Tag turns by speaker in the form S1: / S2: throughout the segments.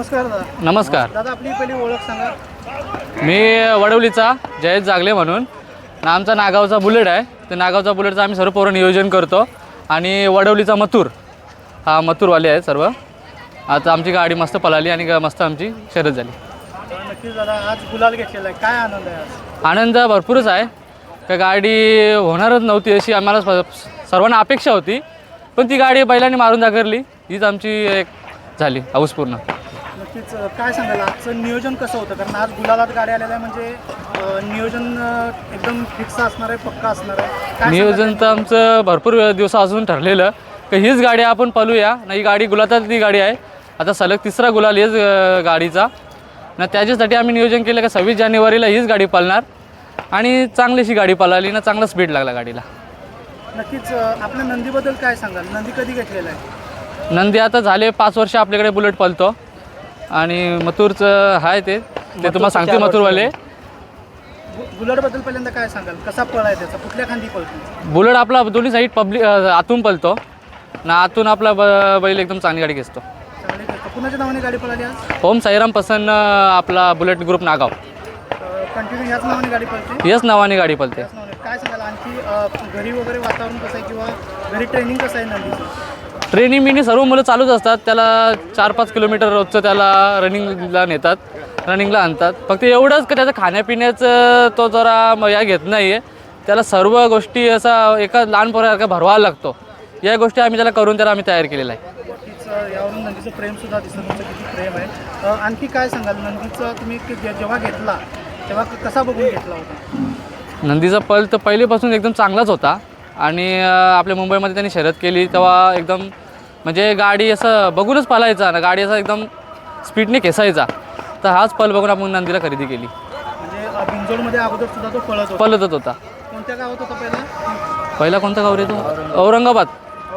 S1: नमस्कार दादा.
S2: नमस्कार.
S1: दादा आपली पहिली ओळख सांगा.
S2: मी वडवलीचा जयेश जागले म्हणून. आमचा नागावचा बुलेट आहे. ते नागावचा बुलेटचं आम्ही सर्व पोरं नियोजन करतो. आणि वडवलीचा मथुर, हा मथुरवाले आहे सर्व. आता आमची गाडी मस्त पळाली आणि मस्त आमची शर्यत झाली.
S1: नक्कीच दादा, आज गुलाल घेतलेला आहे, काय आनंद आहे आज?
S2: आनंद भरपूरच आहे. का गाडी होणारच नव्हती अशी आम्हाला सर्वांना अपेक्षा होती, पण ती गाडी बैलांनी मारून दाखवली. हीच आमची एक झाली हाऊस पूर्ण.
S1: नक्कीच काय सांगाल आजचं नियोजन कसं होतं? कारण आज गुलालात गाडी आलेल्या आहे, म्हणजे नियोजन एकदम फिक्स असणार आहे, पक्का असणार आहे. काय
S2: नियोजन तर आमचं भरपूर दिवसापासून ठरलेलं की हीच गाडी आपण पळूया. नाही, गाडी गुलालातली गाडी आहे. आता सलग तिसरा गुलाल हेच गाडीचा ना. त्याच्यासाठी आम्ही नियोजन केलं की 26 जानेवारीला हीच गाडी पळणार आणि चांगलीशी गाडी पळाली ना, चांगला स्पीड लागला गाडीला.
S1: नक्कीच आपल्या नंदीबद्दल काय सांगाल? नंदी कधी घेतलेला आहे?
S2: नंदी आता झाले 5 वर्ष आपल्याकडे बुलेट पळतो. आणि मथुरचं आहे ते तुम्हाला सांगते. मथुरवाले
S1: बुलेटबद्दल पहिल्यांदा काय सांगाल? कसा पळ आहे त्याचा? कुठल्या खांदी पळतो?
S2: बुलेट आपला दोन्ही साईड पब्लिक आतून पळतो ना. आतून आपला बैल एकदम चांगली गाडी घेतो.
S1: चांगली घेतो. कुणाच्या नावाने गाडी पळाली आज?
S2: ओम साईराम पसंत आपला बुलेट ग्रुप नागाव.
S1: कंटिन्यू याच नावाने गाडी पळते?
S2: याच नावाने गाडी पळते.
S1: काय सांगाल आणखी घरी वगैरे वातावरण कसं आहे, किंवा घरी ट्रेनिंग कसं आहे नंदीचं?
S2: ट्रेनिंग बिनिंग सर्व मुलं चालूच असतात. त्याला 4-5 किलोमीटर रोजचं त्याला रनिंगला नेतात, रनिंगला आणतात. फक्त एवढंच की त्याचं खाण्यापिण्याचं तो जरा या घेत नाही आहे. त्याला सर्व गोष्टी असा एका लहान पोरासारखा भरवायला लागतो. या गोष्टी आम्ही त्याला करून त्याला आम्ही तयार केलेला आहे.
S1: यावरून नंदीचं प्रेमसुद्धा दिसतं, तुमचं किती प्रेम आहे. आणखी काय सांगाल नंदीचं? तुम्ही जेव्हा घेतला तेव्हा कसा बघून घेतला होता?
S2: नंदीचा पल तर पहिलेपासून एकदम चांगलाच होता. आणि आपल्या मुंबईमध्ये त्यांनी शर्यत केली तेव्हा एकदम म्हणजे गाडी असं बघूनच पळायचा ना. गाडी असं एकदम स्पीडने खेचायचा. तर हाच पल बघून आपण नंदीला खरेदी केली.
S1: म्हणजे बिंजोडमध्ये अगोदर सुद्धा तो
S2: पळतच होता.
S1: कोणत्या गावात होता
S2: पहिला कोणता गाव रे तो? औरंगाबाद.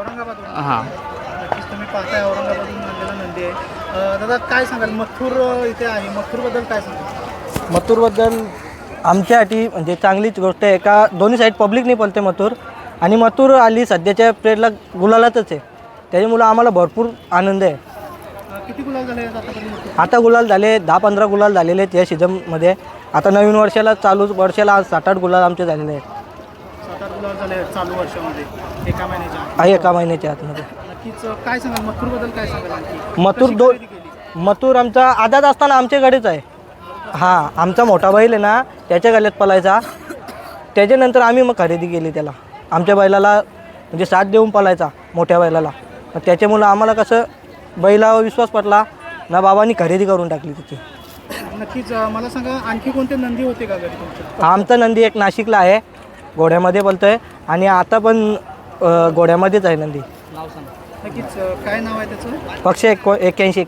S2: हां.
S1: नक्कीच तुम्ही पाहताय औरंगाबादहून आणलेला नंदी आहे. दादा काय सांगाल मथुर इथे आहे, मथुरबद्दल काय सांगाल?
S3: मथुरबद्दल आमच्यासाठी म्हणजे चांगलीच गोष्ट आहे का दोन्ही साईड पब्लिक नाही पळते मथुर. आणि मथुर आली सध्याच्या पिरियडला गुलालातच आहे. त्याच्यामुळं आम्हाला भरपूर आनंद आहे.
S1: किती गुलाल झाले आतापर्यंत?
S3: आता गुलाल झाले 10-15 गुलाल झालेले आहेत या सीझनमध्ये. आता नवीन वर्षाला चालू वर्षाला आज 7-8 गुलाल आमचे झालेले आहेत.
S1: 7-8 गुलाल झाले चालू वर्षामध्ये एका महिन्याच्या?
S3: एका महिन्याच्या आतमध्ये.
S1: नक्कीच काय सांगाल मथुरबद्दल? काय सांगाल आणखी?
S3: मथुर मथुर आमचा आदात असताना आमच्याकडेच आहे. हां, आमचा मोठा बैल आहे ना, त्याच्या गळ्यात पळायचा. त्याच्यानंतर आम्ही मग खरेदी केली त्याला. आमच्या बैलाला म्हणजे साथ देऊन पळायचा मोठ्या बैलाला. त्याच्यामुळं आम्हाला कसं बैलावर विश्वास पटला ना, बाबांनी खरेदी करून टाकली तिची.
S1: नक्कीच मला सांगा आणखी कोणते नंदी होते का घरी तुमच्या?
S3: आमचा नंदी एक नाशिकला आहे, घोड्यामध्ये बोलतो आहे. आणि आता पण घोड्यामध्येच आहे नंदी.
S2: नाव सांग.
S1: नक्कीच काय नाव आहे त्याचं?
S3: पक्ष 81.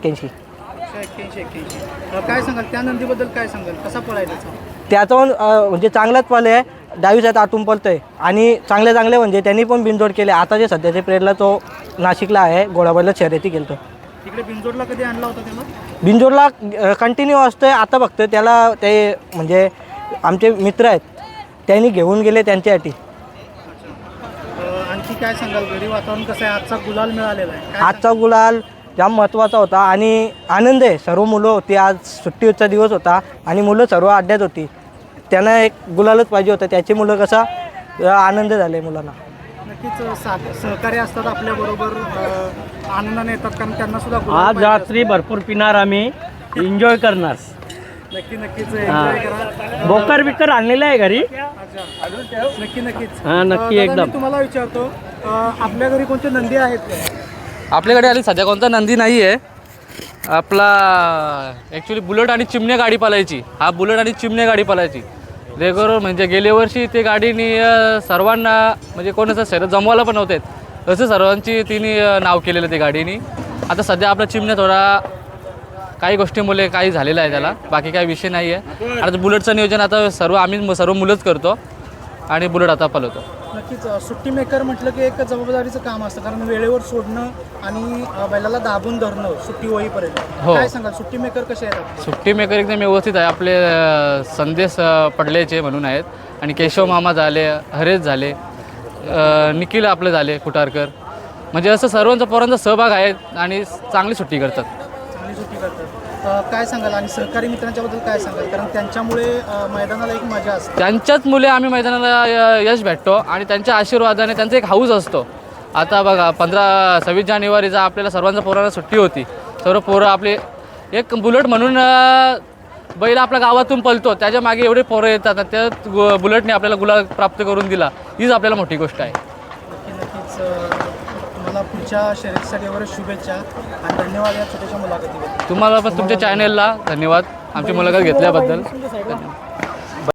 S1: काय सांगाल त्या नंदीबद्दल? काय सांगाल कसा पळाय त्याचा?
S3: त्याचा पण म्हणजे चांगलाच पळ आहे. डावी साईड आतून पळतो आहे. आणि चांगले म्हणजे त्यांनी पण बिनजोड केले. आता जे सध्याच्या पिरियडला तो नाशिकला आहे, घोडाबैला शर्यती केलं.
S1: तिकडे बिनजोडला कधी आणला होता त्याला?
S3: बिनजोडला कंटिन्यू असतो आहे. आता फक्त त्याला ते म्हणजे आमचे मित्र आहेत त्यांनी घेऊन गेले त्यांच्यासाठी.
S1: आणखी काय सांगाल घरी वातावरण कसं आहे? आजचा गुलाल मिळालेला आहे.
S3: आजचा गुलाल जाम महत्त्वाचा होता आणि आनंद आहे. सर्व मुलं होती, आज सुट्टीचा दिवस होता आणि मुलं सर्व अड्ड्यात होती. त्यांना एक गुलालच पाहिजे होतं. त्याची मुलं कसा आनंद झाले मुलांना.
S1: नक्कीच सहकार्य असतात आपल्याबरोबर, आनंदाने येतात, कारण त्यांना सुद्धा
S4: आज रात्री भरपूर पिणार, आम्ही एन्जॉय करणार.
S1: नक्कीच एन्जॉय करा.
S4: बोकर बिकर आणलेलं आहे घरी.
S1: नक्कीच
S4: हां, नक्की एकदम.
S1: मी तुम्हाला विचारतो आपल्या घरी कोणते नंदी आहेत का?
S2: आपल्याकडे आली सध्या कोणता नंदी नाही आहे. आपला ॲक्च्युली बुलेट आणि चिमण्या गाडी पळायची. हा बुलेट आणि चिमण्या गाडी पळायची रेग्युलर. म्हणजे गेल्या वर्षी ते गाडीनी सर्वांना म्हणजे कोणाचं शर्यत जमवायला पण नव्हते असं सर्वांची तिने नाव केलेलं ते गाडीनी. आता सध्या आपला चिमण्या थोडा काही गोष्टीमुळे काही झालेलं आहे त्याला, बाकी काही विषय नाही आहे. आता बुलेटचं नियोजन आता सर्व मुलंच करतो आणि बुलेट आता पळवतो.
S1: नक्कीच सुट्टी मेकर म्हटलं की एक जबाबदारीचं काम असतं, कारण वेळेवर सोडणं आणि बैलाला दाबून धरणं सुट्टी होईपर्यंत. काय सांगाल सुट्टी मेकर कसे आहेत?
S2: सुट्टी मेकर एकदम व्यवस्थित आहे. आपले संदेश पडलेचे म्हणून आहेत. आणि केशव मामा झाले, हरेश झाले, निखिल आपले झाले कुटारकर. म्हणजे असं सर्वांचा पोरांचा सहभाग आहे आणि चांगली सुट्टी करतात.
S1: जुटी करतात. काय सांगाल आणि सहकारी मित्रांच्याबद्दल काय सांगाल, कारण त्यांच्यामुळे मैदानाला एक मजा असते.
S2: त्यांच्याच मुले आम्ही मैदानाला यश भेटतो आणि त्यांच्या आशीर्वादाने त्यांचा एक हाऊस असतो. आता बघा 26 जानेवारीचा आपल्याला सर्वांचा पोरांना सुट्टी होती. सर्व पोरं आपले एक बुलेट म्हणून बैल आपल्या गावातून पळतो, त्याच्या मागे एवढे पोरं येतात आणि त्या बुलेटने आपल्याला गुलाल प्राप्त करून दिला, हीच आपल्याला मोठी गोष्ट आहे.
S1: नक्कीच तुम्हाला पुढच्या शर्यतीसाठी वगैरे शुभेच्छा आणि धन्यवाद या छोट्याशा मुलाखतीबद्दल.
S2: तुम्हाला पण तुमच्या चॅनेलला धन्यवाद आमची मुलाखत घेतल्याबद्दल. धन्यवाद.